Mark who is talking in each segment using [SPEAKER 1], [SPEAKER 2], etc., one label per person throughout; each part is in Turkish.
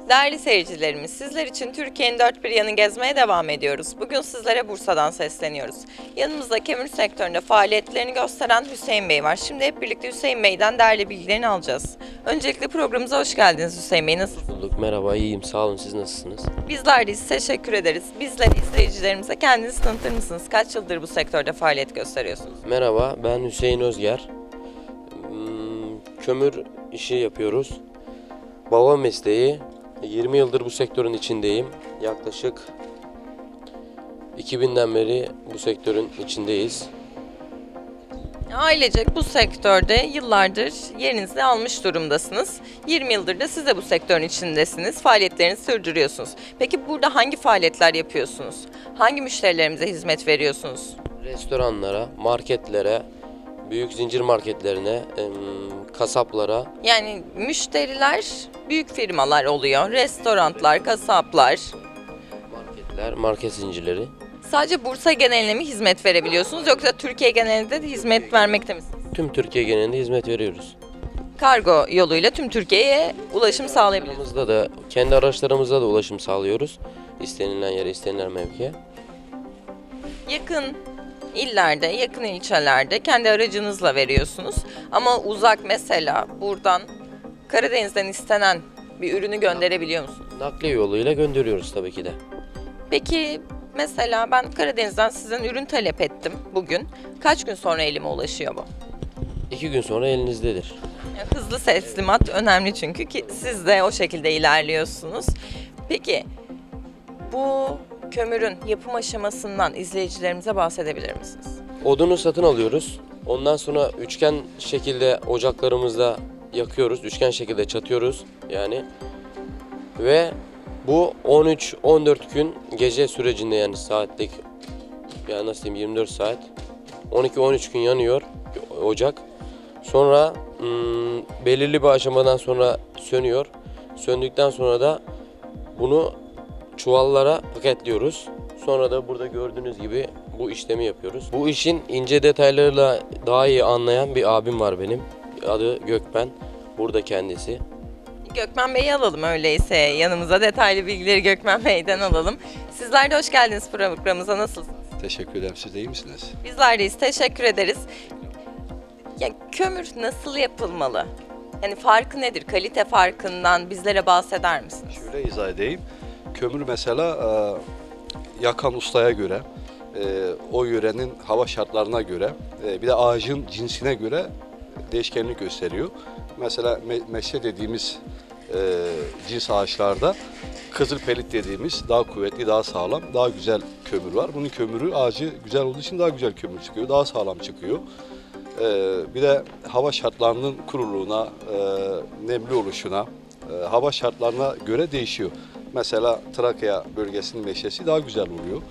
[SPEAKER 1] Değerli seyircilerimiz, sizler için Türkiye'nin dört bir yanını gezmeye devam ediyoruz. Bugün sizlere Bursa'dan sesleniyoruz. Yanımızda kömür sektöründe faaliyetlerini gösteren Hüseyin Bey var. Şimdi hep birlikte Hüseyin Bey'den değerli bilgilerini alacağız. Öncelikle programımıza hoş geldiniz Hüseyin Bey. Nasılsınız?
[SPEAKER 2] Bulduk. Merhaba, iyiyim. Sağ olun. Siz nasılsınız?
[SPEAKER 1] Bizler de size teşekkür ederiz. Bizler izleyicilerimize kendinizi tanıtır mısınız? Kaç yıldır bu sektörde faaliyet gösteriyorsunuz?
[SPEAKER 2] Merhaba, ben Hüseyin Özger. Kömür işi yapıyoruz. Baba mesleği. 20 yıldır bu sektörün içindeyim. Yaklaşık 2000'den beri bu sektörün içindeyiz.
[SPEAKER 1] Ailecek bu sektörde yıllardır yerinizi almış durumdasınız. 20 yıldır da siz de bu sektörün içindesiniz. Faaliyetlerinizi sürdürüyorsunuz. Peki burada hangi faaliyetler yapıyorsunuz? Hangi müşterilerimize hizmet veriyorsunuz?
[SPEAKER 2] Restoranlara, marketlere, büyük zincir marketlerine, kasaplara.
[SPEAKER 1] Yani müşteriler büyük firmalar oluyor. Restoranlar, kasaplar.
[SPEAKER 2] Marketler, market zincirleri.
[SPEAKER 1] Sadece Bursa geneline mi hizmet verebiliyorsunuz yoksa Türkiye genelinde de hizmet vermekte misiniz?
[SPEAKER 2] Tüm Türkiye genelinde hizmet veriyoruz.
[SPEAKER 1] Kargo yoluyla tüm Türkiye'ye ulaşım sağlayabiliyorsunuz.
[SPEAKER 2] Kendi araçlarımızda da ulaşım sağlıyoruz. İstenilen yere, istenilen mevkiye.
[SPEAKER 1] Yakın illerde, yakın ilçelerde kendi aracınızla veriyorsunuz. Ama uzak mesela buradan Karadeniz'den istenen bir ürünü gönderebiliyor musunuz?
[SPEAKER 2] Nakliye yoluyla gönderiyoruz tabii ki de.
[SPEAKER 1] Peki mesela ben Karadeniz'den sizden ürün talep ettim bugün. Kaç gün sonra elime ulaşıyor bu?
[SPEAKER 2] 2 gün sonra elinizdedir.
[SPEAKER 1] Yani hızlı teslimat önemli çünkü ki siz de o şekilde ilerliyorsunuz. Peki bu kömürün yapım aşamasından izleyicilerimize bahsedebilir misiniz?
[SPEAKER 2] Odunu satın alıyoruz. Ondan sonra üçgen şekilde ocaklarımızda yakıyoruz. Üçgen şekilde çatıyoruz yani. Ve bu 13-14 gün gece sürecinde, yani saatlik, yani nasıl diyeyim, 24 saat 12-13 gün yanıyor ocak. Sonra belirli bir aşamadan sonra sönüyor. Söndükten sonra da bunu çuvallara paketliyoruz. Sonra da burada gördüğünüz gibi bu işlemi yapıyoruz. Bu işin ince detaylarıyla daha iyi anlayan bir abim var benim. Adı Gökmen. Burada kendisi.
[SPEAKER 1] Gökmen Bey'i alalım öyleyse. Yanımıza detaylı bilgileri Gökmen Bey'den alalım. Sizler de hoş geldiniz programımıza. Nasılsınız?
[SPEAKER 3] Teşekkür ederim. Siz de iyi misiniz?
[SPEAKER 1] Bizler deyiz. Teşekkür ederiz. Ya kömür nasıl yapılmalı? Yani farkı nedir? Kalite farkından bizlere bahseder misiniz?
[SPEAKER 3] Şöyle izah edeyim. Kömür mesela yakan ustaya göre, o yörenin hava şartlarına göre, bir de ağacın cinsine göre değişkenlik gösteriyor. Mesela meşe dediğimiz cins ağaçlarda kızılpelit dediğimiz daha kuvvetli, daha sağlam, daha güzel kömür var. Bunun kömürü, ağacı güzel olduğu için daha güzel kömür çıkıyor, daha sağlam çıkıyor. Bir de hava şartlarının kuruluğuna, nemli oluşuna, hava şartlarına göre değişiyor. Mesela Trakya bölgesinin meşesi daha güzel oluyor.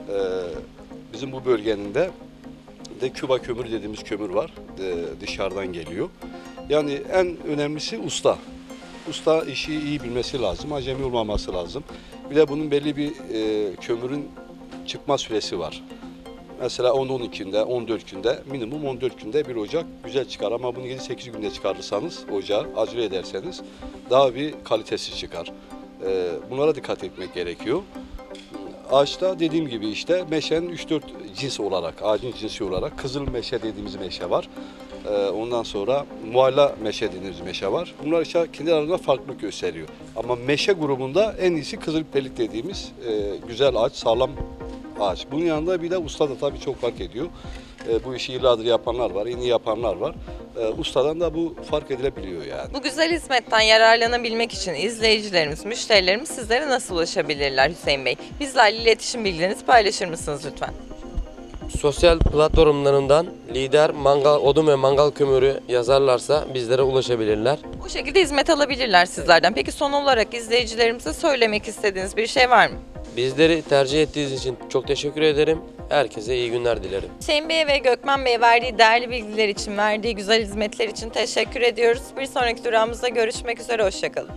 [SPEAKER 3] Bizim bu bölgenin de Küba kömürü dediğimiz kömür var, dışarıdan geliyor. Yani en önemlisi usta. Usta işi iyi bilmesi lazım, acemi olmaması lazım. Bir de bunun belli bir kömürün çıkma süresi var. Mesela 10-12 günde, 14 günde, minimum 14 günde bir ocak güzel çıkar. Ama bunu 7-8 günde çıkarırsanız, ocağı acele ederseniz daha bir kalitesiz çıkar. Bunlara dikkat etmek gerekiyor. Ağaçta dediğim gibi işte meşenin 3-4 cins olarak, ağacın cinsi olarak kızıl meşe dediğimiz meşe var. Ondan sonra mualla meşe dediğimiz meşe var. Bunlar işte kendi aralarında farklılık gösteriyor. Ama meşe grubunda en iyisi kızılpelit dediğimiz güzel ağaç, sağlam ağaç. Bunun yanında bir de usta da tabii çok fark ediyor. Bu işi yıllardır yapanlar var, en iyi yapanlar var. Ustadan da bu fark edilebiliyor yani.
[SPEAKER 1] Bu güzel hizmetten yararlanabilmek için izleyicilerimiz, müşterilerimiz sizlere nasıl ulaşabilirler Hüseyin Bey? Bizlerle iletişim bilgilerinizi paylaşır mısınız lütfen?
[SPEAKER 2] Sosyal platformlarından lider mangal, odun ve mangal kömürü yazarlarsa bizlere ulaşabilirler.
[SPEAKER 1] Bu şekilde hizmet alabilirler sizlerden. Peki son olarak izleyicilerimize söylemek istediğiniz bir şey var mı?
[SPEAKER 2] Bizleri tercih ettiğiniz için çok teşekkür ederim. Herkese iyi günler dilerim.
[SPEAKER 1] Hüseyin Bey'e ve Gökmen Bey'e verdiği değerli bilgiler için, verdiği güzel hizmetler için teşekkür ediyoruz. Bir sonraki durağımızda görüşmek üzere, hoşçakalın.